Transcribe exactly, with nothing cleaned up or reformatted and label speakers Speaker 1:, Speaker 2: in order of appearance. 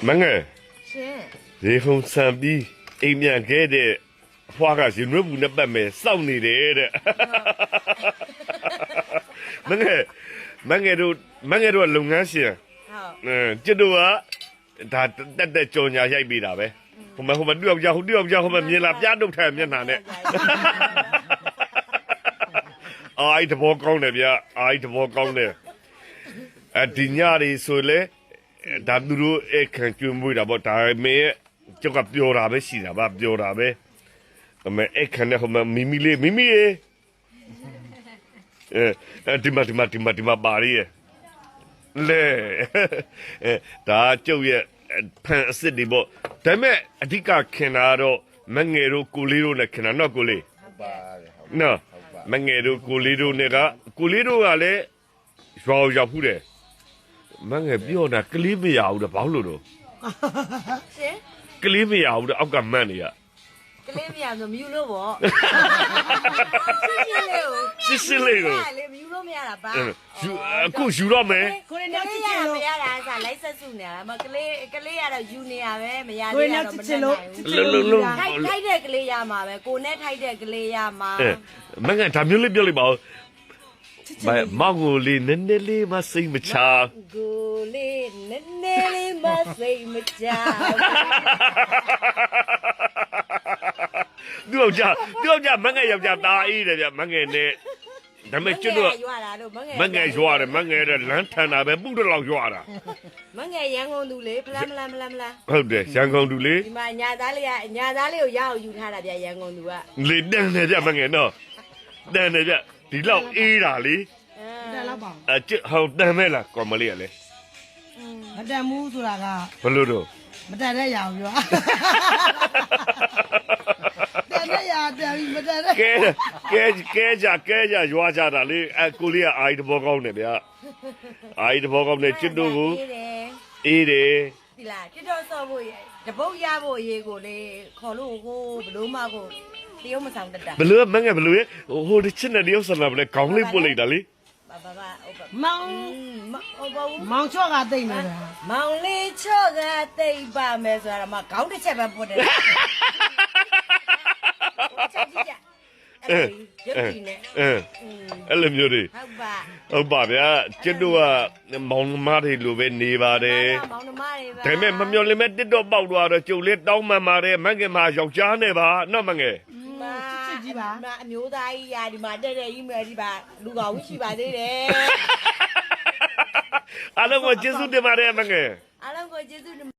Speaker 1: မငယ်
Speaker 2: ရှင်
Speaker 1: ရေခုံဆံပြီးအိမ်မြန်ခဲ့တဲ့ဖွားကရှင်ရွက်ဘူးနဲ့ပတ်မယ်စောင့်နေတယ်တဲ့မငယ်မငယ်တို့မငယ်တို့လုပ်ငန်းရှင်
Speaker 2: ဟုတ်
Speaker 1: အဲကျွတ်တို့ကဒါတက်တက်ကြော်ညာရိုက်ပေးတာပဲဟိုမှာဟိုမှာတူအောင်ကြောက်တူအောင်ကြောက်ဟိုမှာမြင်လာပြတုတ်ထဲမျက်နှာနဲ့အိုက်တဘောကောင်းတယ်ဗျအိုက်တဘောကောင်းတယ်အဒီညရီဆိုလေဒါသူတို့အခန့်ကျွေးမွေးတာပေါ့ဒါပေမဲ့ကျောက်ကပြောတာပဲရှိတာဗျပြောတာပဲအမေအခန့်နဲ့ဟိုမှာမီမီလေးမီမီရေအဲဒီမဒီမဒီမဒီမပါရီလေအဲဒါကျုပ်ရဲ့ဖန်အစ်စ်တွေပေါ့ဒါပေမဲ့အဓိကခင်တာတော့မငယ်တို့ကိုလေးတို့နဲ့ခင်တာနော်ကိုလေး
Speaker 3: ဟုတ်ပါတယ်ဟုတ်
Speaker 1: နော်မငယ်တို့ကိုလေးတို့နဲ့ကကိုလေးတို့ကလည်းရွာရောက်ဖူးတယ်မငယ်ပြောတာကလေးမရဘူးတော့ဘာလို့လို့
Speaker 2: ရှင်
Speaker 1: ကလေးမရဘူးတော့အောက်ကမန့်နေရ
Speaker 2: ကလေးမရဆိုမြူလို့ပေါ့
Speaker 1: စစ်စစ်လေးကို
Speaker 2: လေမြူလို့မရတာပါ
Speaker 1: ယူအခုယူတော့မယ်
Speaker 2: ကိုရနောက်ချစ်ချင်လို့မရတာဆိုလိုက်ဆက်စုနေတာမကလေးကလေးကတော့ယူနေရပဲမရသေးတော့မတက်နိုင်ဘူး
Speaker 1: လုံးလုံး
Speaker 2: ထိုက်ထိုက်တဲ့ကလေးရမှာပဲကိုနဲ့ထိုက်တဲ့ကလေးရမှာ
Speaker 1: မငယ်ဒါမျိုးလေးပြောလိုက်ပါဦးမမောင်ကိုလေးနည်းနည်းလေးမစိတ်မချ
Speaker 2: ကိုလေးနည်းနည်းလေးမစိတ်မချ
Speaker 1: သူ့ယောက်ျားသူ့ယောက်ျားမငယ်ယောက်ျားตาအေးတယ်ဗျမငယ်နဲ့ဒါပေမဲ့ကျွတ်တော့
Speaker 2: ရွာတာတို့
Speaker 1: မငယ်ရွာတယ်မငယ်တဲ့လမ်းထန်တာပဲပုတ်တော့ရွာတာ
Speaker 2: မငယ်ရန်ကုန်သူလေဖလားမလားမလားမလား
Speaker 1: ဟုတ်တယ်ရန်ကုန်သူလေ
Speaker 2: ဒီမှာညာသားလေးကညာသားလေးကိုရအောင်ယူထားတာဗျရန်ကုန်သူက
Speaker 1: လေတန်တယ်ဗျမငယ်နော်တန်တယ်ဗျဒီလောက်အေးတာလေ
Speaker 4: တန်လောက်ပါ
Speaker 1: အကျဟောတန်မဲ့လားကော်မလေးကလေ
Speaker 4: မတန်ဘူးဆိုတာက
Speaker 1: ဘလို့တော့
Speaker 4: မတန်တဲ့ရအောင်ပြောတန်တဲ့ရတန်ပြီးမတန်တဲ့
Speaker 1: ကဲကဲကဲကြကဲကြရွာကြတာလေအကိုလေးကအာရီတဘောကောင်းတယ်ဗျအာရီတဘောကောင်းတယ်ချစ်တို့ကိုအေးတယ်
Speaker 2: ဒီလားချစ်တော်ဆော့ဖို့တပုတ်ရဖို့အရေးကိုလေခေါ်လို့ကိုဘလို့မကိုတရုတ်မဆောင်တတ်တာ
Speaker 1: ဘလို့မငယ်ဘလို့ဟိုတချစ်နဲ့တရုတ်ဆန်လာဘလဲခေါင်းလေးပုတ်လိုက်တာလေ
Speaker 2: ဘာဘာဘာ
Speaker 4: မောင်မောင်ချော့ကတိတ်နေတယ်
Speaker 2: မောင်လေးချော့ကတိတ်ပါမယ်ဆိုတာတော့မခေါင်းတစ်ချက်ပဲပုတ်တယ်ချက်ကြည့်ကြအဲ့ရုပ်ကြည့်နေ
Speaker 1: အဲအဲ့လိုမျိုးတွေ
Speaker 2: ဟုတ်ပါ
Speaker 1: ဟုတ်ပါဗျာကျစ်တို့ကမောင်နှမတွေလိုပဲနေပါတယ်
Speaker 2: မောင်နှမတွေပဲ
Speaker 1: ဒါပေမဲ့မမျော်လင့်မဲ့တစ်တော့ပေါက်သွားတော့ကျုပ်လေးတောင်းမှန်ပါတယ်မငယ်မယောက်ျားနဲ့ပါနော်မငယ်
Speaker 2: မာကြီးပါမအမျိုးသားကြီးရာဒီမှာတဲ့တဲ့ကြီးမယ်ဒီပါလူကောင်ရှိပါသေးတယ်
Speaker 1: အားလုံးကိုကျေးဇူးတင်ပါတယ်မငယ်
Speaker 2: အားလုံးကိုကျေးဇူး